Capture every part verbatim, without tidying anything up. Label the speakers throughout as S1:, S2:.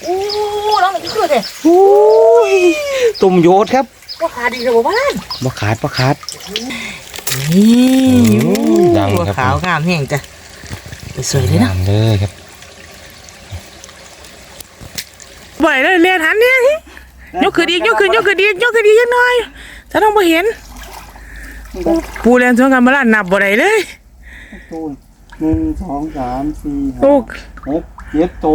S1: อู้ร้องอีกคือเถอะ
S2: โอ้ยตุ่มโยดครับ
S1: ว่าขาดีเลยบ้าน
S2: บ่ขาดบ่ขาด
S1: นี่
S2: ดังครับ
S1: ขาวงามแห้งจ้ะสวยเลยนะ
S2: งามเลยครับ
S3: บ่อยเลยเรียนหันเนี่ยยกขึ้นอีกยกขึ้นยกขึ้นอีกยกขึ้นอีกยังน้อยถ้าต้องมาเห็นปูเรียนสวนกันมาล้านนับบ่ได้เลย
S4: ตูนหนึ่งสองสามสี่ห้า
S3: ลูก
S4: หกเจ็ดโต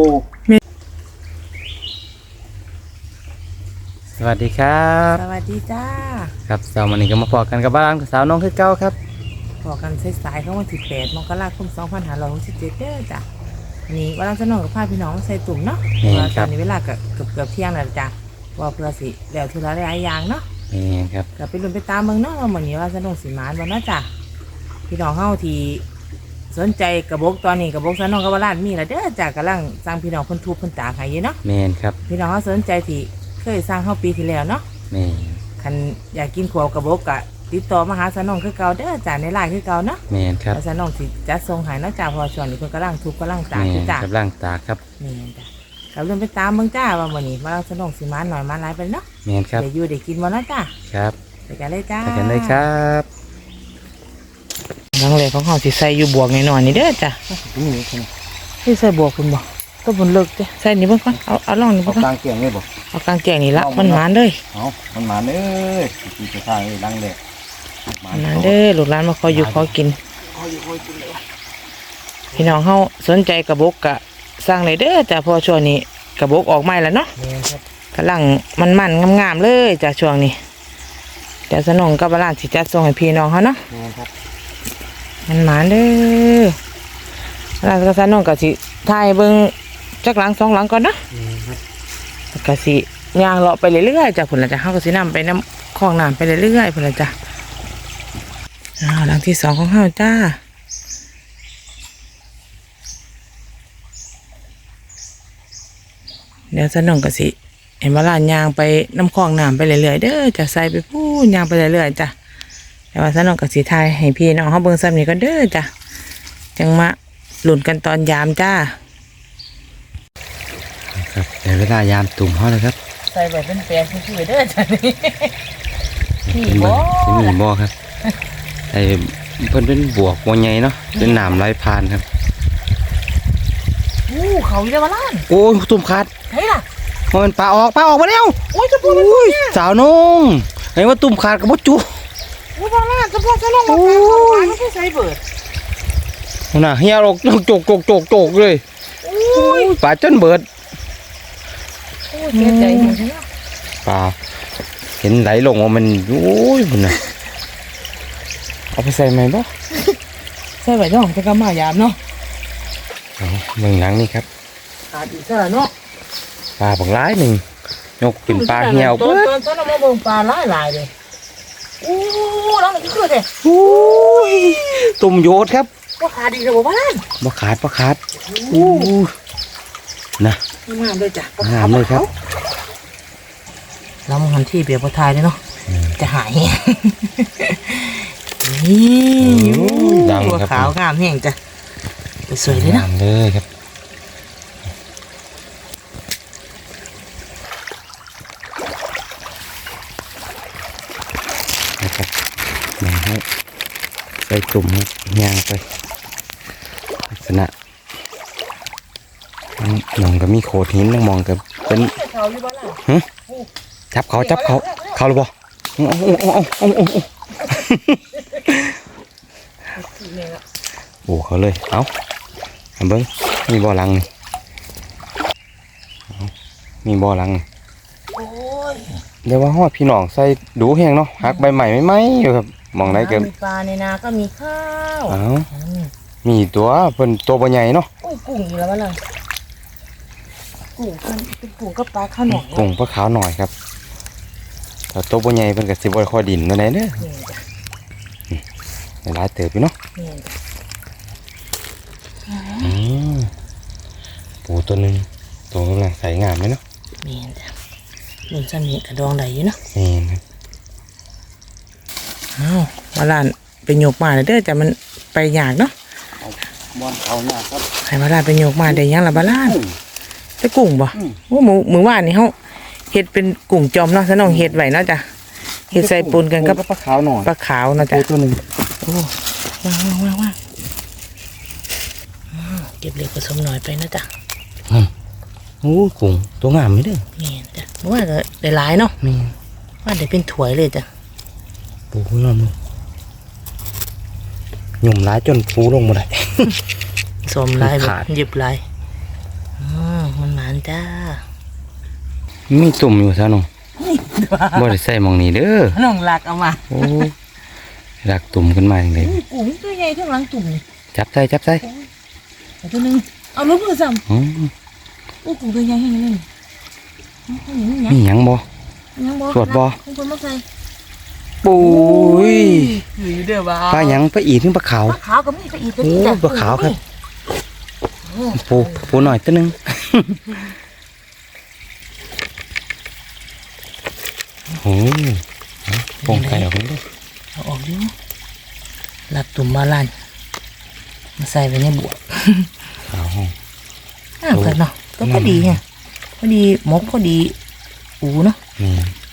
S2: สวัสดีครับ
S1: สวัสดีจ้า
S2: ครับสาววันนี้ก็มาพอกันกับบ้านกับสาวน้องคือเก้าครับ
S1: พอกันสายๆเข้าวันที่แปดมกราคมสองพันห้าร้อยหกสิบเจ็ดเด้อจ้ะนี่วันนั้นจะนอนกับพาพี่น้องใส่ตุ่มเนาะตอนนี้เวลาเกือบเกือบเที่ยงแล้วจ้ะว่าเพื่อสิแล้วทีละหลายอย่างเนาะ
S2: นี่ครับ
S1: ก็ไปลุ้นไปตามเมืองเนาะว่าเหมือนนี้ว่าจะนงสีมานวันนั้นจ้ะพี่น้องเฮาที่สนใจกระบอกตอนนี้กระบอกสนองกระบอกล้านมีแล้วเด้อจ้ะกำลังสร้างพี่น้องคนทุบคนตาให้อยู่เนาะ
S2: แมนครับ
S1: พี่น้องเฮาสนใจที่เคยสร้างเฮาปีที่แล้วเนาะ
S2: แมน
S1: คันอยากกินขวบกระบอกกะติดต่อมาหาสนองคือเก่าเด้อจ้ะในไลน์คือเก่าเนาะ
S2: แมนครับ
S1: สนองสิจัดส่งให้เนาะจ้ะพอช่วงนี้เพิ่นกำลังทุบกำลังตากอยู่จ้ะ
S2: กำลังตากครับ
S1: นี่จ้ะก็ลุ้นไปตามเมืองจ้าว่ามื้อนี้ว่าสนองสิมานหน่อยมาหลายไปเนาะ
S2: แมนครับ
S1: ได้อยู่ได้กินบ่เนาะจ้ะ
S2: ครับ
S1: ไปกันเลยจ้า
S2: ไปกันเลยครับ
S1: ลังเลของเขาสิใส่อยู่บวกหน่อยๆนี่เด้อจ้ะที่ใส่บวกคุณบอกก็บนเลิกจ้ะใส่นี่เบิ่งก่อนเอาเอาล่องนี่เบิ่งก่อน
S4: กลางเกียงเลยบ่
S1: เอากลางแกงนี่ละมันหมานเลย
S4: เอามันหมานเอ้ยตีจะทางเลยดังเลย
S1: หมานเด้อลูกหลานมาคอยอยู่คอยกินพี่น้องเขาสนใจกระบอกกะสร้างเลยเด้อจ้ะพอช่วงนี้กระบอกออกใหม่แล้วเนาะกำลังมันมันงามๆเลยจ้ะช่วงนี้เดี๋ยวสนองกับบ้านสิจัดส่งให้พี่น้องเขาเนาะมันหมานเด้อร้านกระสันน้องกะสิถ่ายเบิ้งจักหลังสองหลังก่อนนะกะสิย่างเลาะไปเรื่อยๆจ้ะผุนละจ้ะเขากะสินำไปน้ำคลองน้ำไปเรื่อยๆผุนละจ้ะอ้าวหลังที่สองของเขาจ้าเดี๋ยวสนองกะสิเห็นว่าร้านย่างไปน้ำคลองน้ำไปเรื่อยๆเด้อจะใส่ไปพูดย่างไปเรื่อยๆจ้ะแต่ว่าสนองกะสิถ่ายให้พี่น้องเขาเบิ้งซ้ำนี่ก็เด้อจ้ะจังมาหลุนกันตอนยามจ้า
S2: ครับแต่เวลายามตุ่มเขาเลยครับ
S1: ใส่แบบเป็นแปลงคือเด้อจ้ะนี่
S2: นี่บ่นี่บ่ครับไอ้เพิ่นเป็นบวกบวใหญ่เนาะเป็นหนามไหลผ่านครับ
S1: อู้เขาอยู่ได้มาล้าน
S2: โอ้ยตุ่มขาด
S1: ใช่ล่ะ
S2: มันปลาออกปลาออกมาแล้ว
S1: โอ้ยจะพูดอะไรเนี่ย
S2: สาวน้องไอ้ว่าตุ่มขาดกับบ่จุ
S1: โอ้ยมาล้านจะพูดจะลงมาแปลงเขาหวานไม่ใช่ใส่เบิด
S2: น่ะเฮียออกโจกโจกโจกโจกเลย
S1: โอ้ย
S2: ปลาจนเบิด
S1: โอ้ยเสียใจหมดเลย
S2: ปลาเห็นไหลลงว่ามันโอ้ยมันน่ะเอาไปใส่ไหมบ่
S1: ใส่ไว้เนาะจะกำมายามเนาะ
S2: เมืองหลังนี่ครับ
S1: ขาดอีกซะแล้วเนาะ
S2: ปลาบักหลายหนึ่งยกเป็นปลาเหี่ยว
S1: เบิดตอนตอนเรามาเบิ่งปลาหลายหลายเลยอู้ร้องอีกคือเถอะ
S2: โอ้ยตุ่มโยดครับ
S1: ว่าขาดีเลยบ้าน
S2: บ่ขาดบ่ขาดอู้นะ
S1: งามเลยจ้ะ
S2: งามเลยครับ
S1: เรามาทำที่เบียร์พอทายเลยเนาะจะหายนี่
S2: ดังครับ
S1: ขาวงามแห้งจ้ะสวยเลยนะ
S2: งามเลยครับนะครับมาให้ใส่ตุ่มให้ย่างไปลักษณะมองก็มีโขดหินต้องมองก็เป็นฮะจับเขาจับเขาเขาหรือเปล่าโอ้โอ้โอ้โอ้โอ้โอ้โอ้เขาเลยเอาเบิ้งมีบ่อลังนี่มีบ่อลังเดี๋ยวว่าฮอดพี่น้องใส่ดูแห้งเนาะหักใบใหม่ไม่ไหมอยู่ครับมองได้เกิน
S1: มีปลาในนาก็มีข้าว
S2: อ้าวมีตัวเป็นตัวใหญ่เนาะ
S1: กุ้งกุ้งอยู่แล้วมั้งล่ะกุ้งเป็นกุ้งก็ปลาข้าวหน่อย
S2: กุ้งปลาขาวหน่อยครับแต่ตัวใหญ่เป็นกับสิบวันคอยดินนั่นเองเด้อในร้านเติบอยู่เนาะปูตัวนึงตัวกำลังใส่งามเลยเนาะ
S1: นี่จ้ะหนุนจะมีกระดองไหลอยู่เนาะ
S2: นี่ครับ
S1: อ้าวมาล้านไปโยกมาเลยเด้อแต่มันไปยากเนาะ
S4: บอลเขาเนี่ยครับ
S1: ให้มาล้านไปโยกมาได้ยังละมาล้าน
S3: จะกุ้งบ่โอ้หมูหมูว่านนี่เฮาเฮ็ดเป็นกุ้งจอมเนาะซะน้องเฮ็ดไว้เนาะจ้ะเฮ็ดใส่ปนกันกับ
S2: ปลาขาวหน่อย
S3: ปลาขาวเนาะจ้ะ
S2: ตัวหนึ่ง
S3: โอ้ว้าวว้าวว้าวอืมเก็บเล็กผสมหน่อยไปนะจ๊ะ
S2: โอ้กุ้งตัวงามไม่ได้อ
S3: นี่จ้ะว่าก็ได้หลายเนาะ
S2: แม่น
S3: ว่าได้เป็นถ้วยเลยจ้ะ
S2: ปูนอนมึงหยุ่มร้ายจนปูลงมาได้
S3: สมหลายแบบ
S2: ขาด
S3: หยิบหลายอืมมันหมานจ้า
S2: มีตุ่มอยู่ซะน้องบ่ได้ใส่หมองนี้เด้อ
S3: น้องหลักเอามา
S2: โอ้รักตุ่มขึ้นมาอย่างไร
S3: กุ้งตัวใหญ่ทั้งหลังตุ่มนี่
S2: จับใส่จับใส่
S3: เอาตัวหนึงเอาลูกมือซ้
S2: อืม
S3: ำโอ้กุ้งตัวใหญ่ให้เลยเอาอย่างนี้
S2: มีหยังบ่
S3: ยังบ่
S2: สวดบ่
S3: คุณคนมาใส่
S2: ปุ้ย
S3: หรือเด้อบ่า
S2: ปลาหยังปลาอีถึงปลาขาว
S3: ปลาขาวก็มีปลาอีกตัว
S2: โอ้
S3: นี้จ้ะ
S2: ปลาขาวครับ ปูปูหน่อยตัวหนึง โอ้ยปองไก่ออกเลย
S3: เอาออกดิหลับตุ่มมาลันมาใส่ไว้ในบวก
S2: ขาวห้อง
S3: อ่าเกิดเนาะก็พอดีไงพอดีหมกพอดีอูเนาะ
S2: นี่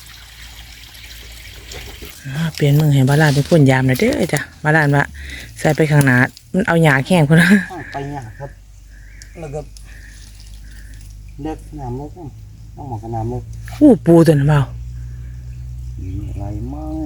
S3: อ่าเปลี่ยนมือให้บาลานเป็นคนยามหน่อยเด้อจ้ะบาลานว่าใส่ไปข้างหน้ามันเอาหยาแข้งคนนะ
S2: ไปหยาครับแล้วก็เล็กน้ำเล็กต้องหมอกกับน้ำเล็ก
S3: อู้ปูตัวนั้นเปล่า
S2: อะไรมั่ง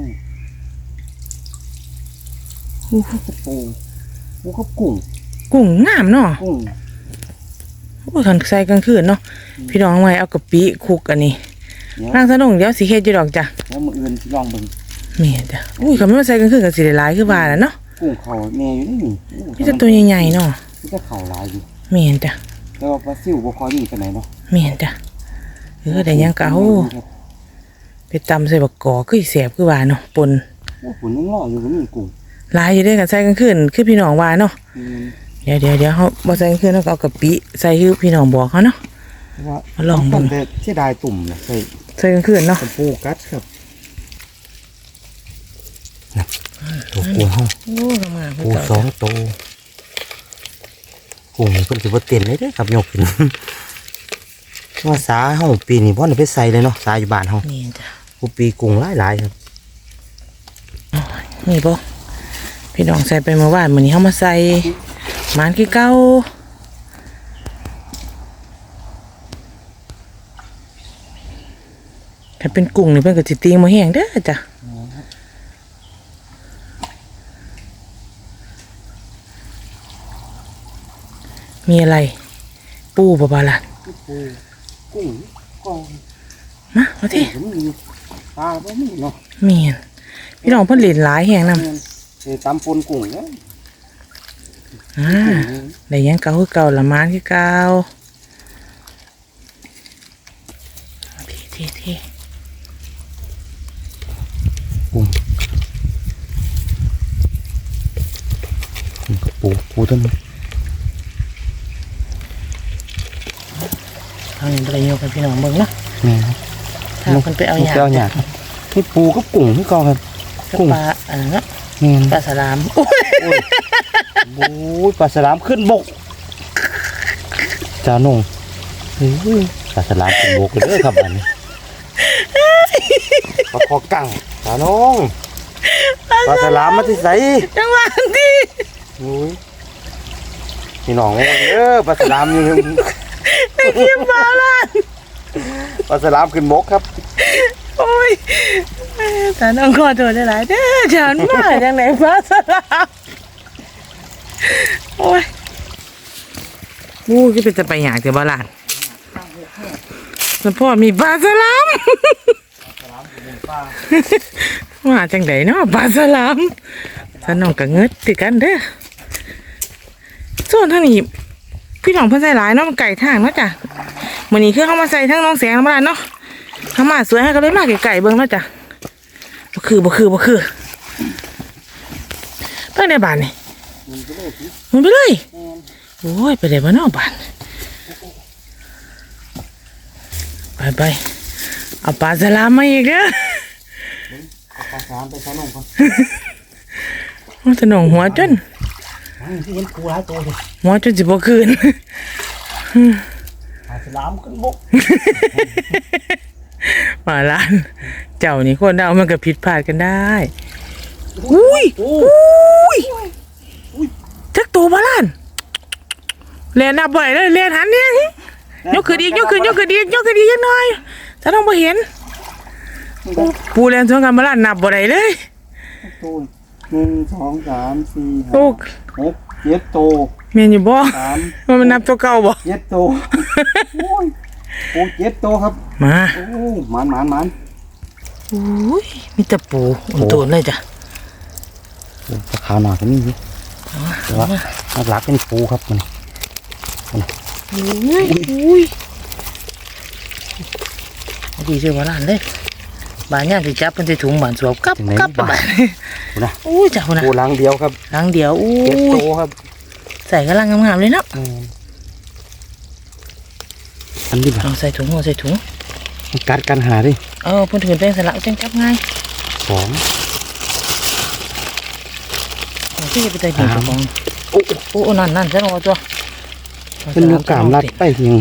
S3: อู้
S2: ปูปูกับกุ้ง
S3: กุ้งงามเนาะ
S2: กุ้ง
S3: โอ้ทันใส่กลางคืนเนาะพี่น้องไว้เอากะปิคลุกอันนี้
S2: เดี๋ยว
S3: ร่างสนงเดี๋ยวสีเฮ็ดอยู่ดอกจ้ะ
S2: แล้วมืออื่นสิลองเบิ่ง
S3: แม่จ้ะอุ้ยเขาไม่มาใส่กลางคืนกับสีหลายคือว่าแหล้วเนาะ
S2: กุ้งเขาแน่อยู่นี่นี่
S3: นี่จะตัวใหญ่ๆเนาะ
S2: นี่จะเข่าลายอยู่
S3: แม่นจ้ะ
S2: แต่ว่าปลาซิวบ่คอยดีปานไหนเนาะ
S3: แม่นจ้ะเออได้หยังกะเอาไปตำใส่บักกอกคือสิแสบคือว่าเนาะปน
S2: โอ้ฝุ่นยังรออยู่ก็มีกุ้ง
S3: หลายอยู่เด้อกันใส่กลางคืนคือพี่น้องว่าเนาะ
S2: อืม
S3: เดี๋ยวเดี๋ยวเดี๋ยวเขาบ่ใส่กลางคืนเขาก็เอากะปิใส่คือพี่น้องบอกเขาเนาะ
S2: เพราะว่า
S3: มาลองเบิ่ง
S2: แต่เสียดายตุ่มนะใส่
S3: ใส่กลางคืนเนาะ
S2: เป็นปูกัดครับนะตัวปูห้อง
S3: โอ้ทำงาน
S2: ปูสองตัวกุ้งเพิ่นสิบ่เต้นเลยเด้อครับยกขึ้น ว่าสาเฮาปีนี้บ่ได้ไปใส่เลยเนาะสาอยู่บ้านเฮา
S3: นี่จ้ะ
S2: กูปีกุ้งหลายๆครับ
S3: นี่บ่พี่น้องใส่ไปเมื่อวานมื้อนี้เฮามาใส่หมานคือเก่าถ้าเป็นกุ้งนี่เพิ่นก็สิตีบ่แห้งเด้อจ้ะมีอะไร ปูบ่บาล่ะ
S2: ปูกุ้งกอง
S3: มาเอาที่
S2: ก็มีปลาบ่มีเนาะ
S3: เมียนพี่น้องเพิ่นเล่นหลายแฮงนำ
S2: เออตำปนกุ้งเนาะ
S3: อ่าได้หยังเก่าคือเก่าละหมานคือเก่าทีทีที
S2: กุ้งนี่ก็ปูปูต้นนี้
S3: เอาหนึ่งไปโยกกันพี่น้องเบิ่งเนาะ
S2: นี่ครับ
S3: ถ้าเพิ่นไปเอาหยา
S2: ไปเอาหยาครับนี่ปูกับกุ้งที่กองครับ
S3: กับ
S2: กุ้ง
S3: ปลาอันนั้นเนาะ
S2: นี่
S3: ปลาสลามโอ้ย
S2: โอ้ยปลาสลามขึ้นบกจ้าหนงเฮ้ยปลาสลามขึ้นบกเลยเด้อครับอันนี้ปลาคอกั้งจ้าหนงปลาสลามมาที่ใส
S3: จังหวะที่
S2: โอ้ยพี่น้องเด้อปลาสลามอยู่
S3: ไอ้เกียมปลาล่ะ
S2: ปลาสลามขึ้นบกครับ
S3: โอ้ยแต่น้องขอโทษหลายๆเด้อฉันมาจังไหนปลาสลามโอ้ยมูก็เป็นจะไปหยาแต่บ่ล่ะแล้วพ่อมีปลาสลาม ว่าจังไดเนาะปลาสลามถ้าน้องก็เงิดติกันเด้อส่วนทางนี้พี่น้องเพิ่นใส่หลายเนาะมันไก่ทางเนาะจ้ะมื้อนี้คือเฮามาใส่ทั้งน้องแสงน้ำบ้านเนาะเฮามาสวยให้ก็เลยมาไก่ๆเบิ่งเนาะจ้ะบ่คือบ่คือบ่คือเพิ่นได้บ้านนี่มันไปเลยโอ้ยไปได้บ่เนาะบ้านไปไปเอาปลาสลามมาอีกเด้อ
S2: ปลาสลามไปจ้าหนงก่อน
S3: มันจะหนองหัวจน
S2: ที่เห็นปูหลายตัวเลย
S3: หัวจนสิบ่คืน
S2: ปลาสสลามขึ้นบก
S3: มาล้าน เจ้านี่คนเอามันก็ผิดพลาดกันได้อุ้ยอุ้ยจักตัวมาล้านเรียนนับบ่อยเลยเรียนหันเนี่ยยกขึ้นอีกยกขึ้นยกขึ้นอีกยกขึ้นอีกยังน้อยจะต้องมาเห็นปูเรียนสวนกันมาล้านนับบ่ได้เลย
S4: ตูนหนึ่งสองสามสี่ห้า
S3: โอ้
S4: หกเจ็ดโต
S3: เมียนอยู่บ่
S4: สาม
S3: ว่ามันนับตัวเก่าบ่
S4: เจ็ดโตโอ้ยโอ้เจ็ดโตครับ
S3: มา
S4: โอ้หมันหมันหมัน
S3: อุ้ยมีแต่ปูอุ่นตัวเลยจ้ะ
S2: ปลาขาวหนาก็มีสิแต่ว่าหลักๆเป็นปูครับมัน
S3: อุ้ยอุ้ยดีเจ้ามาล้านเลยบานย่างสิจับมันใส่ถุงบานสวบกับกับไปนะอุ้ยจ้าคนน่ะ
S2: ปูล้างเดียวครับ
S3: ล้างเดียวอุ้
S2: เจ็ดโต
S3: ย
S2: ครับ
S3: ใส่กำลังงามๆเลยเนาะ
S2: อันนี้แบบ
S3: เอาใส่ถุงเอาใส่ถุง
S2: กัดกันหาดิ
S3: เออเพิ่นถือเป็นสลักจังจับง่าย
S2: สอง
S3: เอาที่จะไปใส่ถุงเจ้าของโอ้โอ้นั่นนั่นฉันเอาตัว
S2: เป็นลูกกามรัดไปเพียง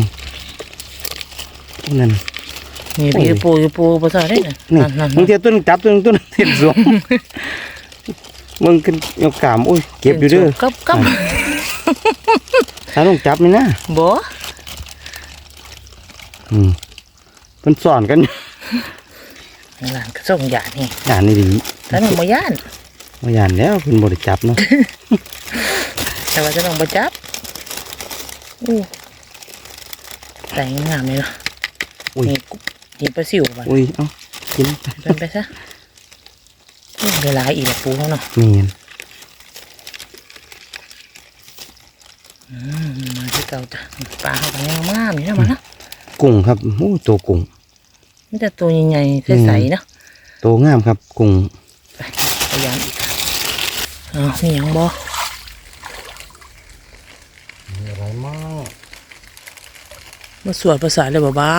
S2: นั่น
S3: นี่พี่ปูอยู่ปูภาษาได้น่ะ
S2: นี่
S3: นั่นนั่น
S2: มึงเทียต้นจับต้นต้นเทียนสวมมึงขึ้นยกกามโอ้ยเก็บอยู่เด้อ
S3: กับกับ
S2: ถ้าต้องจับนี่นะ
S3: บ่
S2: อืมเป็นสอนกัน
S3: หลานก็ส่งยานี่
S2: ย่านนี่ดี
S3: ถ้าน้องบ่ย่าน
S2: ว่าย่านแล้วเป็นบริจับเนาะ
S3: แต่ว่าจะต้องบ่จับอู้ใส่งามเลยเนาะ
S2: อุ้ย
S3: นี่นี่ปลาซิวบัด
S2: อุ้ยเอ้ากิน
S3: เป็นไปซะอู้ได้หลายอีกแล้วปูเขาเนาะ
S2: เมียน
S3: อืมมาที่เก่าจ้ะปลาเขาก็งามๆนี่นะมันเนาะ
S2: กุ้งครับโอ้ตัวกุ้ง
S3: มันจะตัวใหญ่ๆใสๆเนาะ
S2: ตัวงามครับกุ้ง
S3: ไปพยายามอีกค่ะอ้าวมีหยังบ่
S2: มีอะไรมาก
S3: มาสวดภาษาเลยเบา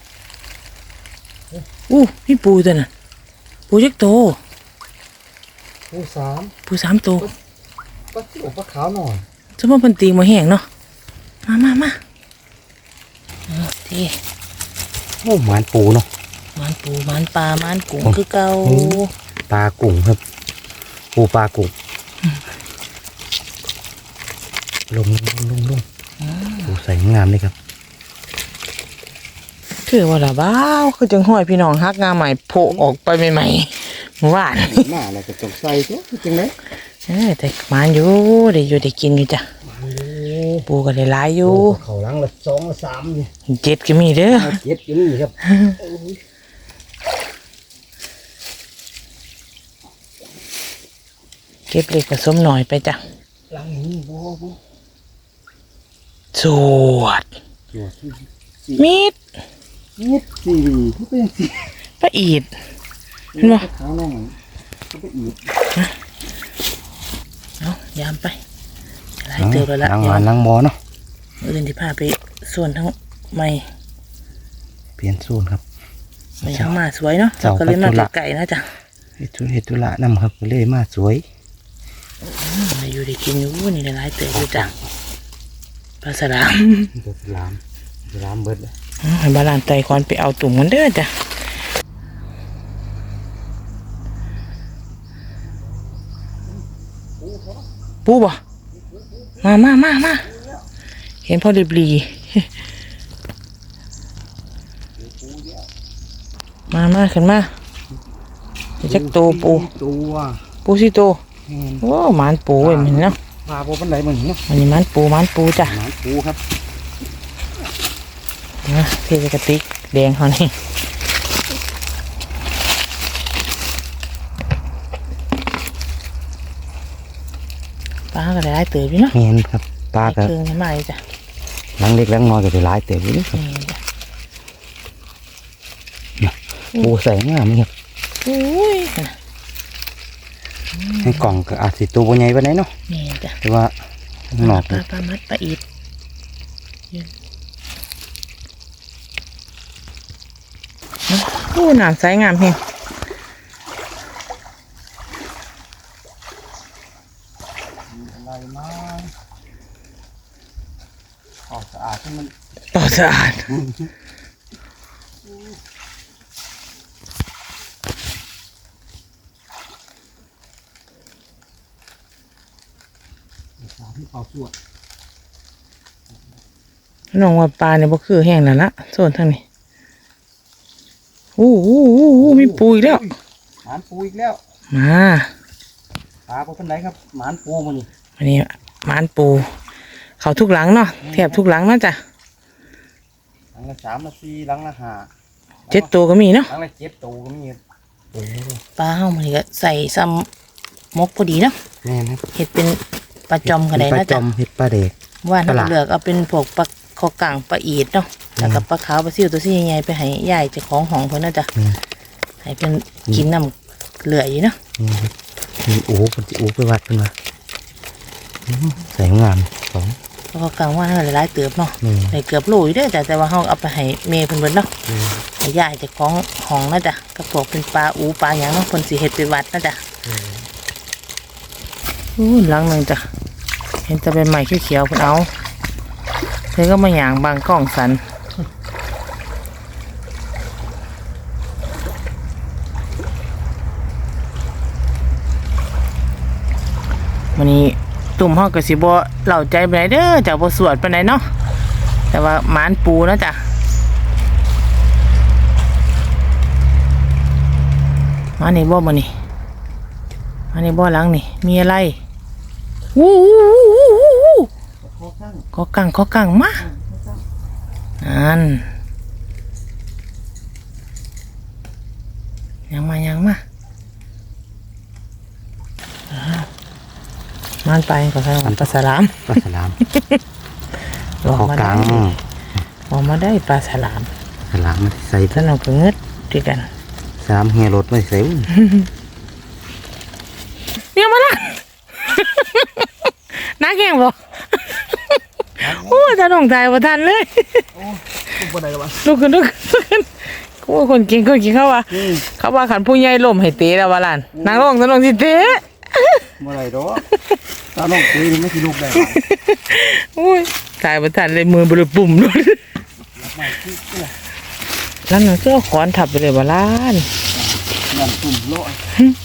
S3: ๆอู้พี่ปูตัวน่ะปูยักษ์โต
S2: ผู้สาม
S3: ปูสามตัว
S2: ปลาจิ๋วปลาขาวหน่อย
S3: จะมาพันตีมาแห้งเนาะมามามาเอาที
S2: โอ้หมานปูเนาะ
S3: มันปูมันปลามันกุ้งคือเก่า
S2: อืม ปลากุ้งครับปูปลากุ้งลงลงลงลงปูใส่งามเลยครับ
S3: คือว่าละบ้าวคือจังห้อยพี่น้องฮักงาใหม่โผล่ออกไปใหม่ๆเมื่อวาน
S4: หน้าเราก็ต้องใส่ตัวจริงไหม
S3: เออแต่มันอยู่ได้อยู่ได้กินอยู่จ้ะปูก็ได้หลายอยู่
S2: เขาล้างละสองละสามนี่
S3: เจ็ดก็มีเด้อ
S2: เจ็ดอยู่นี่ครับ
S3: เก็บเล็กผสมหน่อยไปจ้ะ
S2: ล้างนี่บ่บ่
S3: สวด
S2: ตัวที่
S3: มีด
S4: นิดสี่ที่เป็นสี่
S3: ปลาอีด เห็นบ่
S4: ขาวหน่อยก็ไปอีก
S3: เอายามไปหลายเติบแล้วละ
S2: ล้าง
S3: เดี๋ยว
S2: หวานล้างหมอเนาะ
S3: มื้ออื่นที่พาไปส่วนทั้งไม่
S2: เปลี่ยนสูตรครับ
S3: ไม่ทั้งมาสวยเนาะ
S2: เจ้า
S3: ก็เลยมา
S2: ปัจจุบัน
S3: ไก่นะจ้ะ
S2: เฮ็ดธุเฮ็ดธุระนำครับก็เลยมาสวย
S3: อืมได้อยู่ได้กินอยู่นี่ได้หลายเติบอยู่จ้ะปลาสลาม
S2: ตัวสลามสลามเบิดเลย
S3: อืมให้บาลานไตคอนไปเอาตุ่มมันเด้อจ้ะปูบ่มามามามาเห็นพ่อเรียบรี มามาขึ้นมาเดี๋ยวจักโตปู
S4: ตัว
S3: ปูสิโตโอ้หมานปูเว้ยมันเนาะ
S2: พาบ่ปานใดมันเนาะ
S3: อันนี้หมานปูหมานปูจ้ะ
S2: หมานปูครับ
S3: นะเทกระติกแดงเขานี่ปลาก็ได้หลายเติบอยู่เนาะ
S2: แม่นครับปลาก็
S3: เครื่องนี่มาเลยจ้ะ
S2: หลังเล็กหลังน้อยก็ได้หลายเติบอยู่นี่ครับ
S3: นี่จ้ะ
S2: ปูใส่งามนี่ครับ
S3: อุ้ยน่ะ
S2: ในกล่องก็อาจสิตัวบ่ใหญ่ปานใดเนาะ
S3: นี่จ้ะ
S2: แต่ว่าข้างนอก
S3: ปลาปลามัดปลาอีดยืนเนาะโอ้น้ำใสงามเพียง
S4: อะไรมาออกสะอาดให้มัน
S3: ต่อสสะอาด
S2: ที่เขาสวด
S3: น้องว่าปลาเนี่ยบ่คือแห้งแล้วละโซนทางนี้โอ้โหโอ้โหมีปูอีกแล้ว
S2: หมานปูอีกแล้ว
S3: มา
S2: ปลาพวกเป็นไรครับหมานปูมานี่
S3: วันนี้หมานปู เขาทุกหลังเนาะแทบทุกหลังเนาะจ้ะ
S2: หลังละสามละสี่หลังละห้า
S3: เจ็ดตัวก็มีเนาะ
S2: หลังละเจ็ดตัวก็มี
S3: ปลาเฮามันก็ใส่ซ้ำมกพอดีเนาะ
S2: แม่นครับ
S3: เห็ดเป็นปลาจอมก็ได้
S2: ปลา
S3: นะ
S2: จ
S3: จ๊ะ
S2: อมเห็ดปลาเด็ก
S3: ว่าน้
S2: ปลาหลา
S3: เลือกเอาเป็นพวกปลาคอกลางปลาอีดเนาะแล้วก็ปลาขาวปลาซิวตัวซี่ใหญ่ๆไปให้ยายเจ้าของห้องเพิ่นนะจ๊ะ
S2: อืม
S3: ให้เพิ่นกินน้ำเหลืออยู่เนาะ
S2: นี่ครับนี่โอ้คนที่โอ้ไปวัดขึ้นมาอืมใส่งามสอง
S3: ปลาคอกลางว่าเฮาหลายๆเติบเนาะ
S2: นี่
S3: ได้เกือบโลอยู่เด้อจ้ะแต่ว่าเฮาเอาไปให้เมย์เพิ่นเบิดเนาะ
S2: นี่
S3: ให้ยายเจ้าของห้องนะจ๊ะก็พวกเป็นปลาอูปลาหยังเนาะเพิ่นสิเฮ็ดไปวัดนะจ๊ะอู้หลังหนึงจ้ะเห็นแต่เป็นไม้เขียวๆเพิ่นเอาเธอก็มาหยางบางกล้องสัน วันนี้ตุ่มห้องกสิบ่เหล่าใจไปไหนใดเด้อจากบ่สวดไปไหนใดเนาะแต่ว่าหมานปูนะจ๊ะมานี่บ่มานี่มานี่บ่หลังนี่มีอะไรวู้วู้วู้วู้วู้
S2: ข้อข้าง
S3: ก็กังก็กังมานั่นยังมายังมาอ้าวมันไปก็ใส่ปลาสลาม
S2: ปลาสลาม
S3: ออก
S2: ข้อ
S3: มาก ได้
S2: ลาง
S3: ออกมาได้ปลาสลาม
S2: สลามมันใส่
S3: สนุกกับเงืดด้วยกัน
S2: สลามเฮียรถไม่ใส่
S3: เนี่ยมาละ นักแข่งบ่โอ้จะต้องใจบ่ทันเลย
S2: บ่ได้หรอวะ
S3: ลุกขึ้นลุกขึ้นกูว่าคนเก่งคนเก่งเขาว่าเขาว่าขันผู้ใหญ่ล้มให้เตะแล้วว่าล่ะนางร้องจะลงสิเตะ
S2: บ่ได้ดอกตาน้องตีนี่ไม่สิลูกได้
S3: โอ้ยตายบ่ทันเลยมือบริปุ่มด้วย
S2: ไม่คือเสื้อ
S3: แล้วนั่นก็เอาขอนทับไปเลยบ่ล่ะ
S2: งานตุ่มโลอย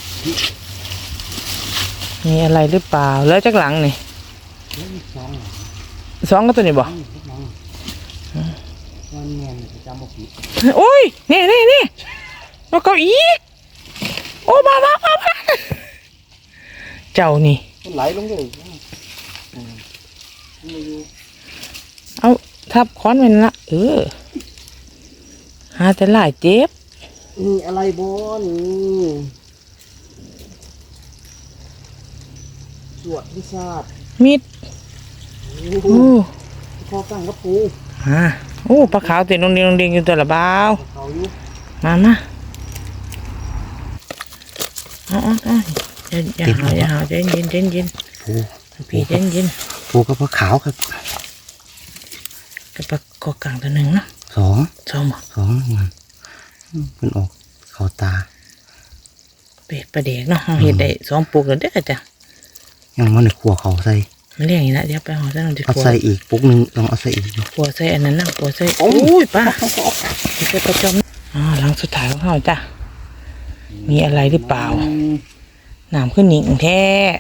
S3: มีอะไรหรือเปล่าแล้วจักหลังนี่
S2: เฮ้ยสอง
S3: สองก็ตัวนี้บ่
S2: นี่ทุกน้องวันแม่นจะจำบ่ผิด
S3: โอ้ยนี่นี่นี่แล้วก็อีกโอ้มามามามาเจ้านี่
S2: มันไหลลงเลยอืมไม่อยู่
S3: เอาทับค้อนไว้นั่นละเออหาแต่หลายเจ็บ
S2: นี่อะไรบ่นี่สวดวิชาติ
S3: มิด
S2: โอ้
S3: โอ้
S2: ข้อตั้งกับปู
S3: มาโอ้ปลาขาวเต็มลงเดียงลงเดียงอยู่ตัวละเบา
S2: เขาอยู่
S3: มามาอ๋ออ๋ออย่าอย่าหาอย่าหาเย็นเย็นเย็นเย็น
S2: ปู
S3: พี่เย็นเย็น
S2: ปูกับปลาขาวครับ
S3: กับปลาคอกลางตัวหนึ่งเนาะ
S2: สอง
S3: ชมบ่
S2: สองมันมันออกเขาตา
S3: เป็ดปลาเด็กเนาะเราเห็ดได้สองปุกแล้วเด้อจ้ะ
S2: ยังมันในขัวเขาใส่
S3: มันเลี้ยงอย่างนี้นะเดี๋ยวไปหอซะหน่อยดี
S2: เอา
S3: กว่า
S2: ใส่อีกปุ๊กหนึงลองเอาใส่อีกดู
S3: ปัวใส่อันนั้นนะปัวใส่โอ้ยป้านี่ก็ประจอมอ่าหลังสุดท้ายของเขาจ้ะมีอะไรหรือเปล่าน้ำขึ้นหนิงแท้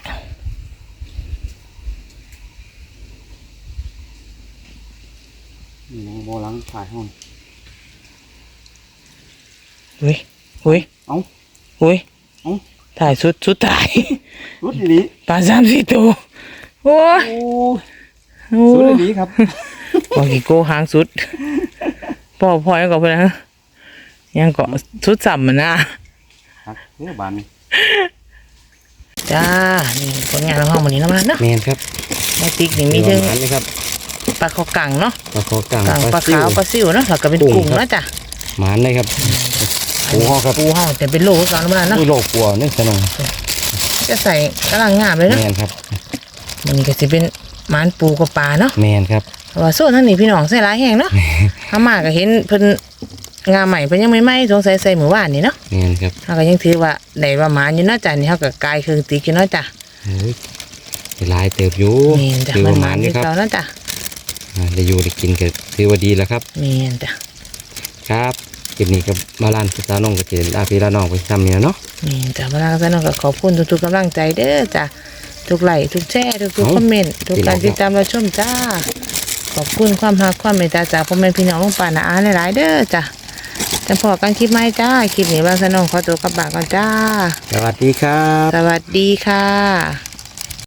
S2: นี่ยังโบลังถ่ายห้อง
S3: เฮ้ยเฮ้ย
S2: เอ้า
S3: เฮ้ย
S2: เอ้า
S3: ถ่ายสุดสุดถ่าย
S2: สุดดี
S3: ปลาสามสี่ตัวโอ้ย
S2: โอ้
S3: โอ้
S2: สุด
S3: ย
S2: ดีครับ
S3: บอกกี่โก้หางสุดพ่อพ่อยังเกาะเพื่อนนะยังเกาะสุดสัมมันนะ
S2: ครับเนื้อบานนี่
S3: จ้านี่ผลงานของห้องวันนี้นะมันเนาะ
S2: แมนครับ
S3: แม่ติ๊กนี่มีถึง
S2: อันนี้ครับ
S3: ปลาคอกังเนาะ
S2: ปลาคอกลาง
S3: กังปลา
S2: ซิ่
S3: ขาวปลาซิวเนาะแล้วก็เป็น
S2: กุ้ง
S3: กุ้ง
S2: ครับ
S3: นะจ้ะ
S2: หมานเลยครับปูห้อครับ
S3: ปูห้องแต่เป็นโลสอนมาเนาะ
S2: อุ้ยโลกกลัวนี่สนอง
S3: จะใส่กำลังงามเลยเนาะ
S2: แมนครับ
S3: มันนี้ก็จะเป็นหมานปูกับปลาเนาะ
S2: แมนครับ
S3: เพราะว่าโซ่ทั้งนี้พี่น้องใส่หลายแห้งเนาะถ้ามาก็เห็นเพิ่นงามใหม่เพิ่นยังไม่ไหม้สงสัยใส่หมู่บ้านนี่เนาะ
S2: แมนครับ
S3: เขาก็ยังถือว่าได้ว่าหมานอยู่เนาะจ้ะนี่เขาก็กายคือติ๊กอยู่เนาะจ้ะ
S2: เฮ้ยหลายเติบอยู่
S3: นี่จ้ะ
S2: คือ
S3: มั
S2: ป
S3: น
S2: ระ
S3: ห
S2: มา
S3: มา
S2: ณ
S3: น
S2: นี้
S3: ที่
S2: ครับ
S3: เขาเนาะจ้ะ
S2: อ่าได้อยู่ได้กินก็ถือว่าดีแล้วครับ
S1: แม่นจ้ะ
S2: ครับคลิปนี้ก็มาล้านพี่สาวน้องก็จะลาพี่ลาน้องไปซ้ำเนี่ยเนาะ
S1: แม่นจ้ะพลังสนองก็ขอบคุณทุกๆกำลังใจเด้อจ้ะทุกไลค์ทุกแชร์ทุกๆคอมเมนต์ทุกการติดตามรับชมจ้าขอบคุณความรักความเมตตาจากพ่อแม่พี่น้องลุงป้าน้าอาหลายๆเด้อจ้ะจะพอกันคลิปใหม่จ้าคลิปนี้บางสนองขอตัวกลับบ้านก่อนจ้า
S2: สวัสดีครับ
S1: สวัสดีค่ะ